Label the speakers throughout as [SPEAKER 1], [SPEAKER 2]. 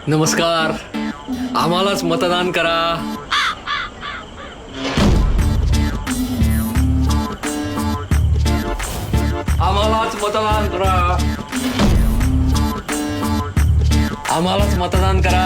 [SPEAKER 1] नमस्कार. आम्हालाच मतदान करा. आम्हालाच मतदान करा. आम्हालाच मतदान करा.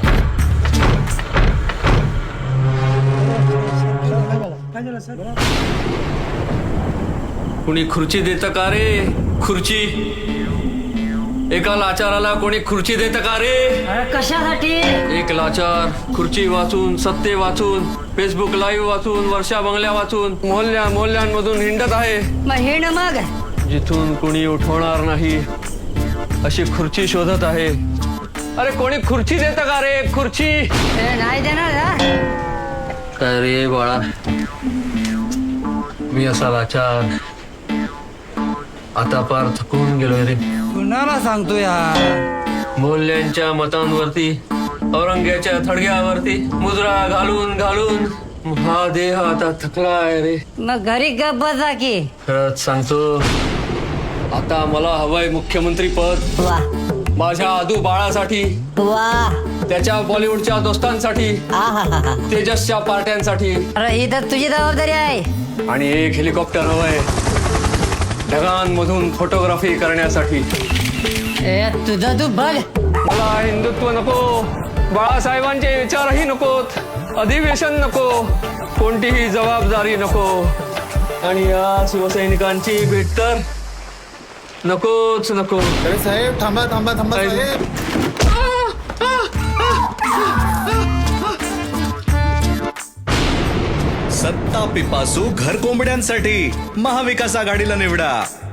[SPEAKER 1] कुणी खुर्ची देतं का रे? खुर्ची एका लाचाराला कोणी खुर्ची देतं का रे?
[SPEAKER 2] कशासाठी?
[SPEAKER 1] एक लाचार खुर्ची वाचून, सत्ते वाचून, फेसबुक लाईव्ह वाचून, वर्षा बंगल्या वाचून मोहल्ल्यांमधून हिंडत आहे.
[SPEAKER 2] मग हिंड मग.
[SPEAKER 1] जिथून कुणी उठवणार नाही अशी खुर्ची शोधत आहे. अरे कोणी खुर्ची देतं का रे? खुर्ची
[SPEAKER 2] नाही देणार हा?
[SPEAKER 1] काय रे बाळा, मी असा लाचार आता पार थकून गेलोय रे.
[SPEAKER 2] कुणाला सांगतो यार?
[SPEAKER 1] मोल्यांच्या मतांवरती, औरंग्याच्या थडग्यावरती मुजरा घालून घालून हा देह आता थकला आहे रे.
[SPEAKER 2] मग घरी गप बसा की.
[SPEAKER 1] खरंच सांगतो, आता मला हवंय मुख्यमंत्री पद.
[SPEAKER 2] वा
[SPEAKER 1] माझ्या आदू बाळासाठी,
[SPEAKER 2] वा.
[SPEAKER 1] त्याच्या बॉलिवूडच्या दोस्तांसाठी,
[SPEAKER 2] आहाहाहा.
[SPEAKER 1] तेजसच्या पार्ट्यांसाठी,
[SPEAKER 2] अरे ही तर तुझी जबाबदारी आहे.
[SPEAKER 1] आणि एक हेलिकॉप्टर हवंय ढगांमधून फोटोग्राफी करण्यासाठी.
[SPEAKER 2] तुझं तू बघ.
[SPEAKER 1] मला हिंदुत्व नको, बाळासाहेबांचे विचारही नकोत, अधिवेशन नको, कोणतीही जबाबदारी नको, आणि या शिवसैनिकांची भेट तर नकोच नको.
[SPEAKER 3] अरे साहेब थांबा थांबा थांबा साहेब.
[SPEAKER 4] सत्ता पिपासू घर कोंबड्यांसाठी महाविकास आघाडीला निवडा.